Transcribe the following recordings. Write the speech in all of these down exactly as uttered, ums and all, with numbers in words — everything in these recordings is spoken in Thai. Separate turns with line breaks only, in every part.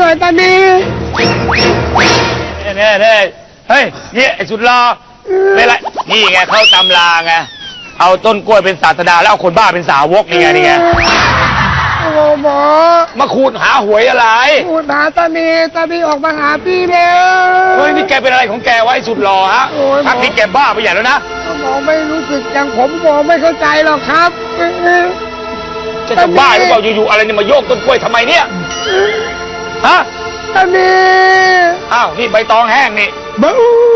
อยตอนนี้
เน่เน่เฮ้ยนี่ไอ้สุดรอไม่ไรนี่ไงเข้าตำราไงเอาต้นกล้วยเป็นศาสดาแล้วเอาคนบ้าเป็นสาวกนี่ไงนี่ไง
โอ้หมอ
มาขูดหาหวยอะไร
ขูดหาตานีตานีออกมาหาพี่แล้ว
เฮ้ยนี่แกเป็นอะไรของแกวะไอ้สุดรอฮะพักนี้แกบ้าไปใหญ่แล้วนะ
หมอไม่รู้สึกอย่างผมหมอไม่เข้าใจหรอกครับ
จะจะบ้าหรือเปล่าอยู่ๆอะไรเนี่ยมาโยกต้นกล้วยทำไมเนี่ยฮะ
ตานี
อ้าวนี่ใบตองแห้งนี่
บู๊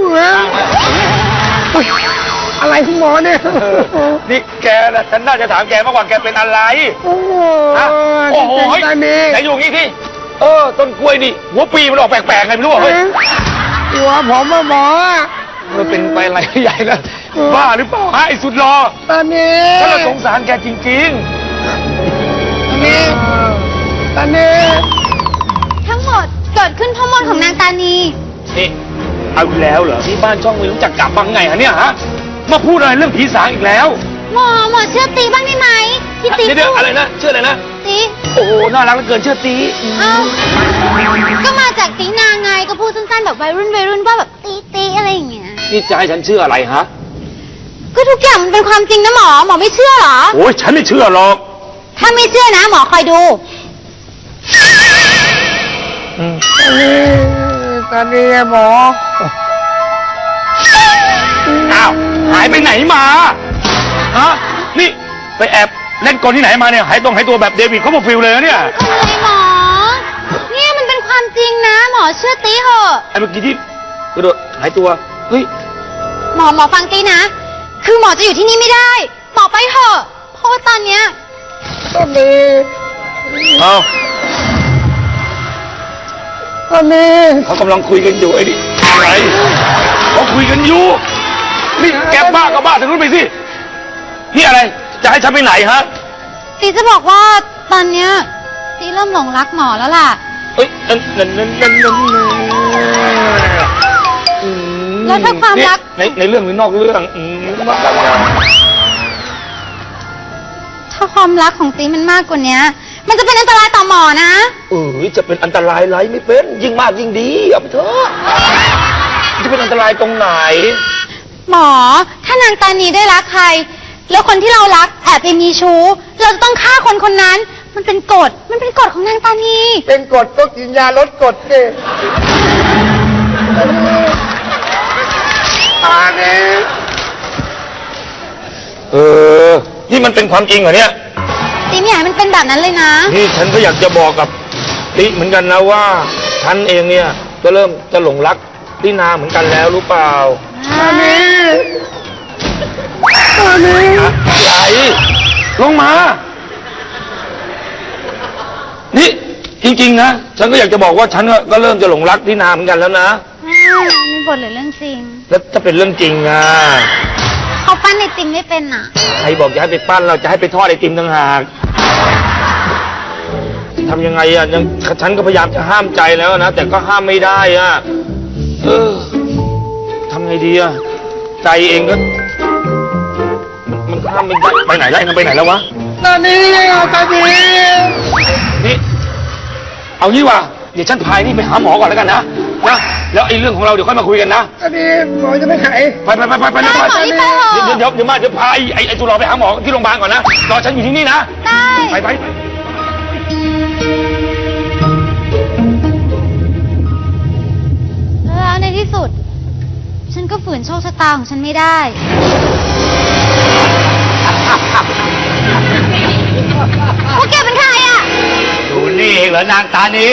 อะไรคุณหมอเนี่ย
นี่แกนะฉันน่าจะถามแกมากกว่าแกเป็นอะไร
โอ้โห
โอ้โหไหนอยู่งี้ที่เออต้นกล้วยนี่หัวปีมันออกแปลกๆไงไม่รู้เฮ้ย
หัวผมมาหมอ
มันเป็นไปอะไรใหญ่แล้วบ้าหรือเปล่าฮะไอ้สุดรอ
ตอนนี้
ถ้าเราสงสารแกจริง
ๆตอนนี้ตอนนี้
ทั้งหมดเกิดขึ้นเพราะมนต์ของนางตานี
นี่เอาแล้วเหรอที่บ้านช่องไม่รู้จักกลับบ้างไงฮะเนี่ยฮะมาพูดอะไรเรื่องผีสางอีกแล้ว
หมอหมอเชื่อตีบ้างได้ไหมที่ตี
เดี๋ยวอะไรนะเชื่ออะไรนะ
ตี
โอ้โหน่ารักเหลือเกินเชื่อตี
เอ้าก็มาจากตีนางไงก็พูดสั้นๆแบบวัยรุ่นวัยรุ่นว่าแบบตีตีอะไรอย่างเงี้ย
นี่จะให้ฉันเชื่ออะไรฮะ
ก็ทุกอย่างมันเป็นความจริงนะหมอหมอไม่เชื่อหรอ
โอ้ยฉันไม่เชื่อหรอก
ถ้าไม่เชื่อนะหมอคอยดู
ตอนนี้ตอนนี้หมอ
อ้าวหายไปไหนมาฮะนี่ไปแอบเล่นกลที่ไหนมาเนี่ยหายตรงหายตัวแบบเดวิดเขาบอกฟิลเลยเนี่ย
อะไรหมอเนี่ยมันเป็นความจริงนะหมอเชื่อตีเหอะ
ไอ้เมื่อกี้ที่กระโดดหายตัวเฮ้ย
หมอหมอฟังตีนะคือหมอจะอยู่ที่นี่ไม่ได้หมอไปเถอะเพราะว่าตอนเนี้ย
ตอนนี้
เอา
ตอนนี้
เขากำลังคุยกันอยู่ไอ้นี่อะไรเขาคุยกันอยู่นี่แกบ้าก็บ้าทางนู้นไปสินี่อะไรจะให้ฉันไปไหนฮะ
ตีจะบอกว่าตอนเนี้ยตีเริ่มหลงรักหมอแล้วล่ะ
เอ้ยนั่นนั่นนั่นนั่นนั่น
แล้วถ้าความรัก
ในในเรื่องหรือนอกเรื่อง
ถ้าความรักของตีมันมากกว่านี้มันจะเป็นอันตรายต่อหมอนะ
เออจะเป็นอันตรายไรไม่เป็นยิ่งมากยิ่งดีเอาไปเถอะจะเป็นอันตรายตรงไหน
หมอถ้านางตานีได้รักใครแล้วคนที่เรารักแอบไปมีชู้เราจะต้องฆ่าคนคนนั้นมันเป็นกฎมันเป็นกฎของนางตานี
เป็นกฎก็กินยาลดกฎสิตานี
เออนี่มันเป็นความจริงเหรอเนี่ย
ตีไม่อยากให้มันเป็นแบบนั้นเลยนะ
นี่ฉันก็อยากจะบอกกับติเหมือนกันนะว่าฉันเองเนี่ยก็เริ่มจะหลงรักตินาเหมือนกันแล้วรู้เปล่า
ตานีตานี
อะไรลงมานี่จริงๆนะฉันก็อยากจะบอกว่าฉันก็เริ่มจะหลงรักตินาเหมือนกันแล้วนะ
นี่บทหรือเรื่องจริง
แล้วถ้าเป็นเรื่องจริงอ่ะ
เขาปั้นไอติมไม่เป็นอ่ะ
ใครบอกจะให้ไปปั้นเราจะให้ไปทอดไอติมต่างหากทำยังไงอ่ะยังฉันก็พยายามจะห้ามใจแล้วนะแต่ก็ห้ามไม่ได้อ่ะเออทำไงดีอ่ะใจเองก็มันห้ามไม่ได้ไปไหนแล้วมันไปไหนแล้ววะ
ตอนนี้ตอนนี้
นี่เอางี้ว่ะเดี๋ยวฉันพายนี่ไปหาหมอก่อนแล้วกันนะนะแล้วไอ้เรื่องของเราเดี๋ยวค่อยมาคุยกันนะ
ตอนนี้หมอจะไม่หาย
ไปไปไปไปไปไปเดี๋ยวเดี๋ยวเดี๋ยวมาเดี๋ยวพาไอ้ไอ้ไอ้ตุลาไปหาหมอที่โรงพยาบาลก่อนนะรอฉันอยู่ที่นี่นะ
ได้
ไปไป
แล้วในที่สุดฉันก็ฝืนโชคชะตาของฉันไม่ได้พวกแกเป็นใครอ่ะ
ดูนี่เองเหรอนางตานี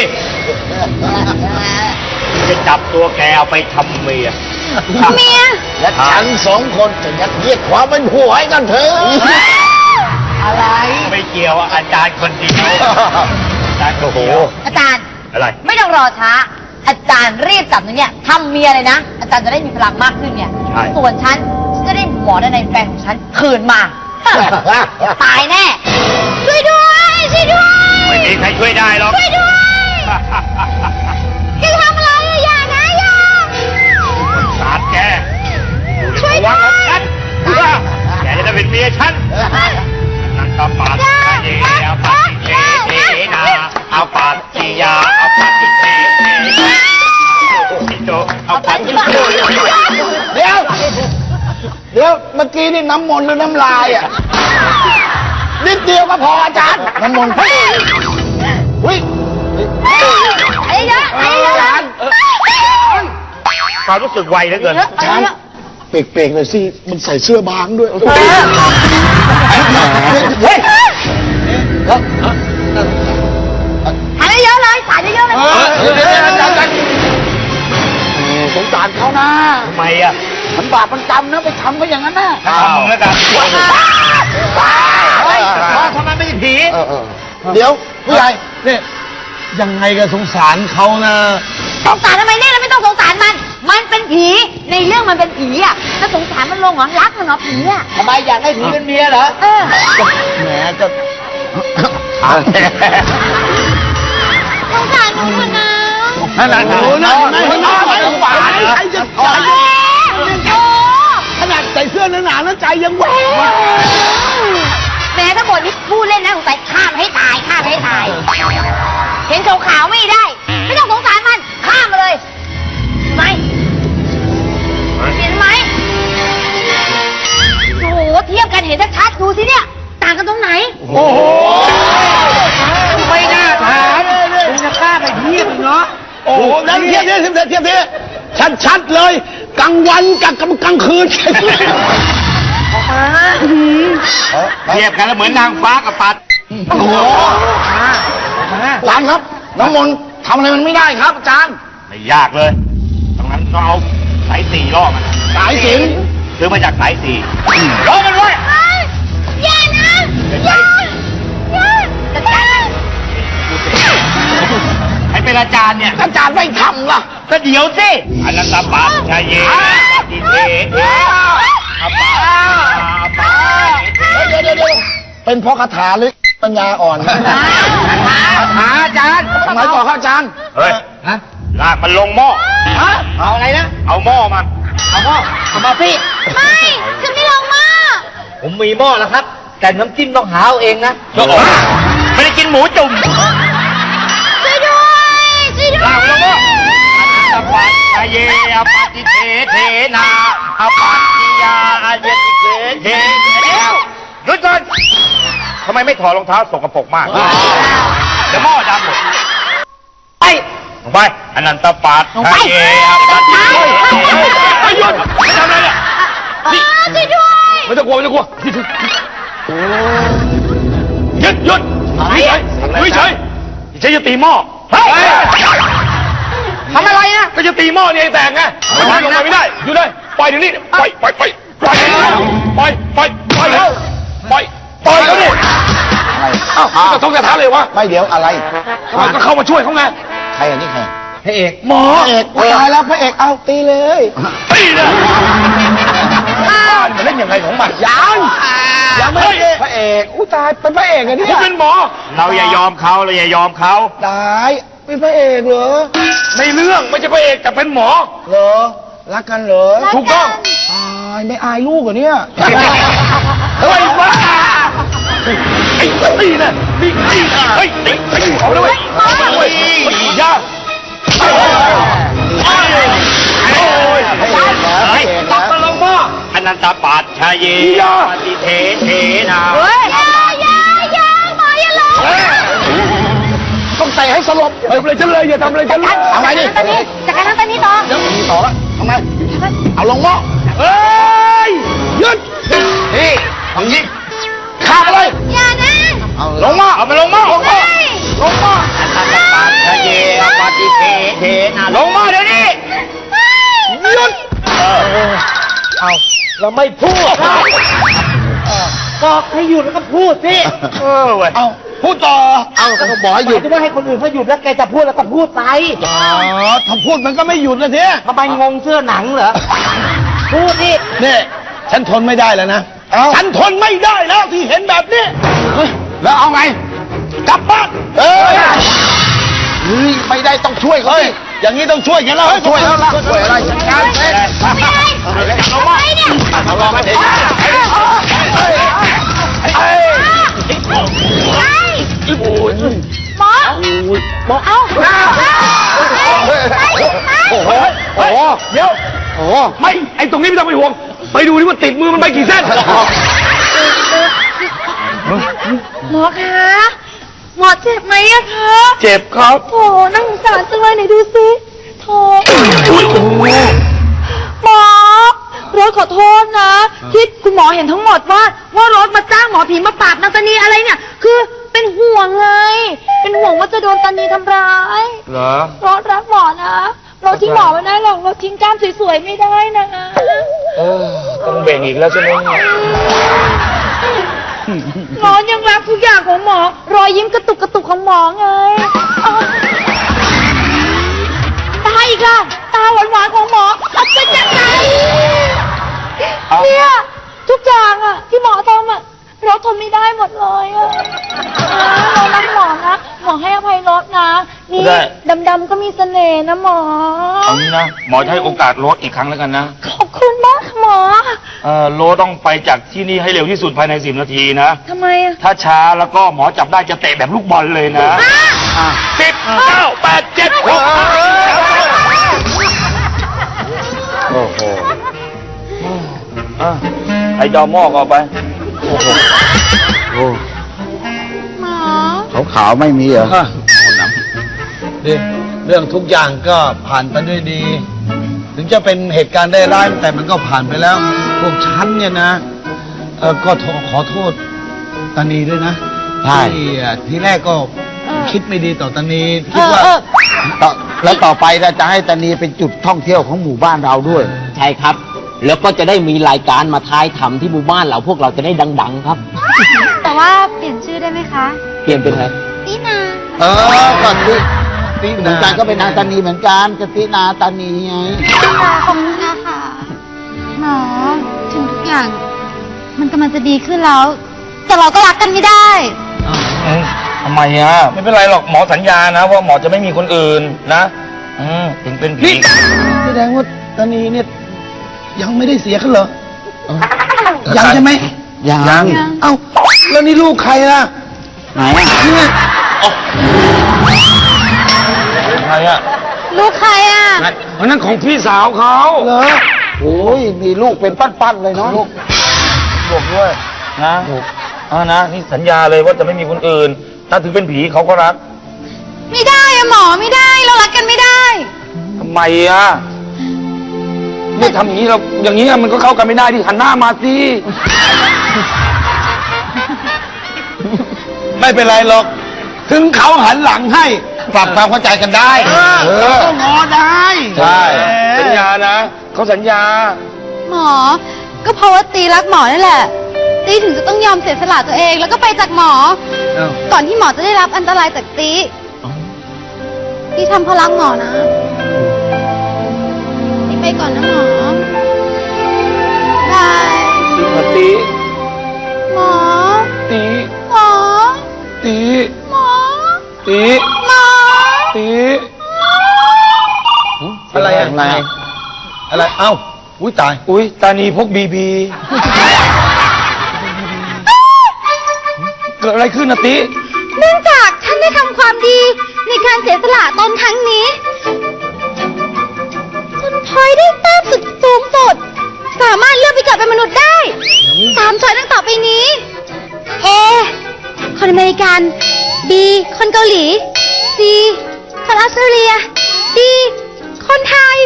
จะจับตัวแกเอาไปทำเมีย
เมีย
และฉันสองคนจะยัดเยียดความเป็นผัวให้กันเถอะอะไร
ไม่เกี่ยวอาจารย์คนเดียวอาจารย์โอ้โห
อาจารย์
อะไร
ไม่ต้องรอช้าอาจารย์รีบจับหนูเนี่ยทำเมียเลยนะอาจารย์จะได้มีพลังมากขึ้นเนี่ยส่วนฉันจะได้หมอในแฟนของฉันคืนมาตายแน่
ช่วยด้วยช่วยด้วย
ไม่มีใครช่วยได้หรอก
ช่วยด้วยแกทำอะไรอย่านะอย่า
สาดแกช่วยด้วยฉันแกจะได้เป็นเมียฉันนั่นก็ปาดเจเอาปาดเจเอาปาดจิยาเอาปาดจิเจ
น้ำมนต์หรือน้ำลายอ่ะนิดเดียวก็พออาจารย์น้ำมนต์เฮ้ยเฮ้ย
ไอ้เยอะไอ้เยอะ
ความรู้สึกไวเหลือเกิน
อาจารย์เปรกๆหน่อยสิมันใส่เสื้อบางด้วย
เฮ้ย
ถ่ายเยอะเลยถ่ายเยอะเลย
สงสารเขานะ
ทำไมอ่ะ
มันบาปมันกรรมนะไปทำเขาอย่างนั้นนะ
ทำมึงแล้วกันเฮ้ยทำไมไม่ใช่ผี
เออเออเดี๋ยวผู้ใหญ่เนี่ยยังไงก็สงสารเขานะ
สงสารทำไมเนี่ยเราไม่ต้องสงสารมัน มันเป็นผีในเรื่องมันเป็นผีอ่ะจะสงสารมันลงเหรอรักมันเหรอผีอ่ะ
ทำไมอยากให้ผีเป็นเมียเหรอ
เออ
แหมก็
สงสารหนูเถอะนะ
นั่นน่ะ
โอ้นั่นนั่นนั่นสงสารใครจะใจ
โอ้
ขนาดใส่เสื้อหนาๆแล้วใจยังแหวว
แม้ถ้าบทนี้พูดเล่นนะสงสัยฆ่ามันให้ตายฆ่ามันให้ตาย เห็นขาวๆไม่ได้ ไม่ต้องสงสารมันฆ่ามันเลยไหมเห็นไหมโอ้โหเทียบกันเห็นชัดๆดูสิเนี่ย ต่างกันตรงไหน
โอ้โห
ไม่น่าถามคุณจะกล้าไปเทียบเนาะโอ้โหนั่นเทียบเทียบเทียบเทียบเทียบชัดๆเลยกลางวันกับกลางคืน
เทียบกันแล้วเหมือนนางฟ้ากับปัด
โอ้โหอาจารย์ครับน้ำมนต์ทำอะไรมันไม่ได้ครับอาจารย์
ไม่ยากเลยตรงนั้นก็เอาสายสี่ล่อมัน
สายสิญจน์
ซื้อมาจากสายสี่ล่อมันไว้
อย่านะอย่าอย่าจัดการ
ให้เป็นอาจารย์เนี่ย
อาจารย์ไม่ทำล่ะ
ก็เดี๋ยวสิอนันตปัจชายเยติเทเทอาปาอาปา
เดี๋ยวเดี๋ยวเดี๋ยวเป็นเพราะคาถาหรือปัญญาอ่อน
หาอาจารย์
ทำไมต่อครับอาจารย์
เฮ้ยลากมันลงหม้อ
เอาอะไรนะ
เอาหม้อมา
เอาพ่อเอามาพี่
ไม่ฉันไม่ลงมา
ผมมีหม้อแล้วครับ แต่น้ำจิ้มต้องหาเอาเองนะ
ไม่ได้กินหมูจุ่ม
ช่วยด้วยช่วยด้ว
ลากมันลงหม้อย อปัจชายเยอปฏิเทเทนาอปัจจิยาอาเยติเทเทเดี๋ยวหยุดก่อนทำไมไม่ถอดรองเท้าสกปรกมากเดี๋ยวหม้อดำหมด
ไป
ลงไปอนันตปัจชายเยอปฏิเทไม่หยุดไม่ทำอะไรเนี่ยนี่
ช่วยด้วย
ไม่ต้องกลัวไม่ต้องกลัวหยุดหยุดไม่ใช่ไม่ใช่ไม่ใช่จะตีหม้อเฮ้ยทำอะไรนะก็จะตีหม้อนี่ให้แตกไงมันลงไปไม่ได้อยู่เลยปล่อยเดี๋ยวนี้ปล่อยปล่อยปล่อยปล่อยปล่อยปล่อยปล่อยแล้วปล่อยปล่อยเขาดิเอ้าจะต้องกระทะเลยวะ
ไม่เดี๋ยวอะไร
มันก็เข้ามาช่วยเขาไง
ใครอันนี้ใคร
พระเอก
หมอ
พระเอกตายแล้วพระเอกเอาตีเลย
ตีเลยบ้านมันเล่นยังไงของมัน
ยังยังไม่ได้พระเอกอู้ตายเป็นพระเอกอันนี้
คุณเป็นหมอเราอย่ายอมเขาเราอย่ายอมเขา
ตายเป็นพระเอกเหรอ
ในเรื่องไม่ใช่พระเอกแต่เป็นหมอ
เหรอรักกันเหรอ
ถูกต้อง
ตายไม่อายลูกเหรอเนี่ย
เฮ้ยบ้าไอ้ตีนะนี่ไอ้เฮ้ยไอ้ไอ้เอาเลยเว้ยยาโอ้ย
พระเอกนะพระเอก
ตั
นะ
กตะลงพ่ออนันตปัจชายเยปฏิเทเทนา
เฮ้ย
อย่าอย่าอย่าหมออย่าลง
ต้องเตะให้สลบ
เฮ้ยเลยฉันเลยอย่าทำอะไรฉันเลย
ทำไมดิ
ตอนนี้จากการนั้นตอนนี้ต่อ
เดี๋ยวมีต่อละทำไมเอาลงหม้อ
เฮ้ย
หยุดนี่ทางนี้ข้ามไปเลย
อย่านะ
เอาล
ล
ง
ง
หม้อ
มาเอาไปลงมาลงมา
ลงหม้อ
อนันตปัจชายเยปฏิเทเทนาลงมาเดี๋ยวนี้
หยุด
เอาเราไม่พูดบอกให้หยุดแล้วก็พูดสิ
เออเว้ย
เอาพูดต่อเอาก็บอกให้หยุด
หมายถึงว่าให้คนอื่นเขาหยุดแล้วแกจะพูดแล้วก็พูดไป
อ๋อถ้าพูดมันก็ไม่หยุดนะที
ทำไมงงเสื้อหนังเหรอ พูดดิ
นี่ฉันทนไม่ได้แล้วนะฉันทนไม่ได้แล้วที่เห็นแบบนี้เฮ้ยแล้วเอาไงกลับบ้านเอ้ยเฮ้ยไม่ได้ต้องช่วยเขาสิอย่างนี้ต้องช่วยกันแล้วช่วยแล้วล่ะช่วยอะไรจัดการเอง
ไม่ได้ทำไมเนี่ย
เอาลองมาเด็ก
เฮ้ย
ไอ้หมอหมอเอา
โอ้โหโอ้โห
เดี๋ยว
โอ้โห
ไม่ไอ้ตรงนี้ไม่ต้องไปห่วงไปดูดิว่าติดมือมันไปกี่เส้น
หมอคะ หมอเจ็บไหมอะคะ
เจ็บครับ
โถน่าสงสารจังเลยไหนดูสิโถ
อุ้ยโอ้โห
หมอรถขอโทษนะที่คุณหมอเห็นทั้งหมดว่า ว่ารถมาจ้างหมอผีมาปราบนางตานีอะไรเนี่ย คือเป็นห่วงไง เป็นห่วงว่าจะโดนตานีทำร้าย
เหรอ
รถรักหมอนะรถทิ้งหมอไม่ได้หรอกรถทิ้งกล้ามสวยๆไม่ได้นะ
เออต้องเบ่งอีกแล้วใช่ไหม
หมอยังรักทุกอย่างของหมอ รอยยิ้มกระตุกกระตุกของหมอไงอ้าวตาอีกล่ะตาหวานๆของหมออัศจรรย์ใจเนี่ยทุกอย่างอะที่หมอทำอะเราทนไม่ได้หมดเลยอะเรารักหมอนะหมอให้อภัยรถนะนี่ดำๆก็มีเสน่ห์นะหมอ
เอางี้นะหมอจะให้โอกาสโรสอีกครั้งแล้วกันนะ
ขอบคุณมากค่ะหมอ
เออโรสต้องไปจากที่นี่ให้เร็วที่สุดภายในสิบนาทีนะ
ทำไมอะ
ถ้าช้าแล้วก็หมอจับได้จะเตะแบบลูกบอลเลยนะสิบเก้าแปดเจ็ดหก
โอ้โห
ไอ้จอมอกเอาไป
โอ้
หมอ
ขาวขาวๆไม่มีเหรอนี่เรื่องทุกอย่างก็ผ่านไปด้วยดี ถึงจะเป็นเหตุการณ์ได้ร้ายแต่มันก็ผ่านไปแล้ว พวกฉันเนี่ยนะเออก็ขอโทษตานีด้วยนะที่อ่ะทีแรกก็คิดไม่ดีต่อตานีคิดว่า
เออ
ต่อแล้วต่อไปเราจะให้ตานีเป็นจุดท่องเที่ยวของหมู่บ้านเราด้วย
ใช่ครับ แล้วก็จะได้มีรายการมาทายทำที่หมู่บ้านเราพวกเราจะได้ดัง ๆ ครับ
แต่ว่าเปลี่ยนชื่อได้ไหมคะ
เปลี่ยนเป็นอะไร
ตีนา
เออก่อนที่ที่เหมือนกันก็เป็นนางตานีเหมือนกันกตินาตานีไง
ขอบคุณนะคะหมอถึงทุกอย่าง มันกำลังจะดีขึ้นแล้ว แต่เราก็รักกันไม่ได้
ทำไมอ่ะไม่เป็นไรหรอกหมอสัญญานะว่าหมอจะไม่มีคนอื่นนะอืมถึงเป็นผี
แสดงว่าตานีเนี่ยยังไม่ได้เสียกันเหรอยังใช่ไหม
ยัง
เอ้าแล้วนี่ลูกใครล่ะ
ไหนอ่ะ
เนี่ย
ใครอ่ะ
ลูกใครอ่ะ
อันนั้นของพี่สาวเขา
เหรอ
โอ้ยมีลูกเป็นปั้นๆเลยเนาะ
บอกด้วยนะอ่านะนี่สัญญาเลยว่าจะไม่มีคนอื่น ถ้าถึงเป็นผีเขาก็รัก
ไม่ได้อะหมอไม่ได้ เรารักกันไม่ได้
ทำไมอ่ะไม่ทำอย่างนี้เราอย่างนี้มันก็เข้ากันไม่ได้ที่หันหน้ามาสิ
ไม่เป็นไรหรอก ถึงเขาหันหลังให้ปรับความเข้าใจกันได้ เออก็งอได้
ใช่สัญญานะเขาสัญญา
หมอ ก็เพราะว่าตีรักหมอนั่นแหละ ตีถึงจะต้องยอมเสียสละตัวเอง แล้วก็ไปจากหมอ
เอ้า
ก่อนที่หมอจะได้รับอันตรายจากตีตีทำเพราะรักหมอนะตีไปก่อนนะหมอบาย
ตี
หมอ
ตี
หมอ
ตี
หมอ
ตี
หมอ
ตี
อะไรอะ
อะไรอะ
อะไร เอ้า อุ้ยตาย
อุ้ยตานีพกบีบีเกิดอะไรขึ้นนะตี
เนื่องจากท่านได้ทำความดีในการเสียสละตนครั้งนี้จนพลอยได้แต้มสุดสูงสุด สามารถเลือกไปเกิดเป็นมนุษย์ได้สามช้อยตั้งต่อไปนี้ A คนอเมริกัน B คนเกาหลี C คนออสเตรเลีย D คนไทย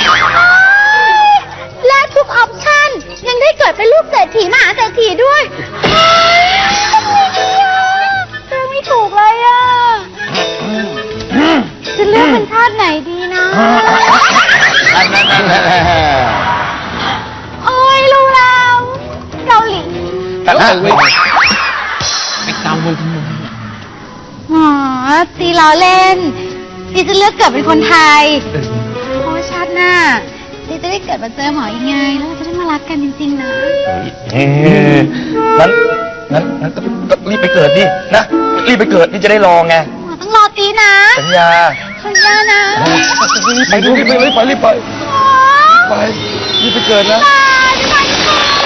และทุกออปชั่นยังได้เกิดเป็นลูกเศรษฐีมหาเศรษฐีด้วยเลือกไม่ถูกเลยอ่ะ จะเลือกเป็นชาติไหนดีนะ โอ้ยรู้แล้วเกาหลี
แต่ละ
ไปเกาเลยทำไม
อ๋อตีล้อเล่นตีจะเลือกเกิดเป็นคนไทย เพราะว่าชาติหน้าตีจะได้เกิดมาเจอหมออีกไง แล้วเราจะได้มารักกันจริงๆนะ
เฮ้ยงั้นงั้นงั้นก็ก็รีบไปเกิดดินะรีบไปเกิดนี่จะได้รอไง
หมอต้องรอตีนะ
สัญญา
สัญญานะ
ไปดูรีบไปรีบไปรีบไป
หมอ
ไปรีบไปเกิดนะ
ตาจะไปก่อน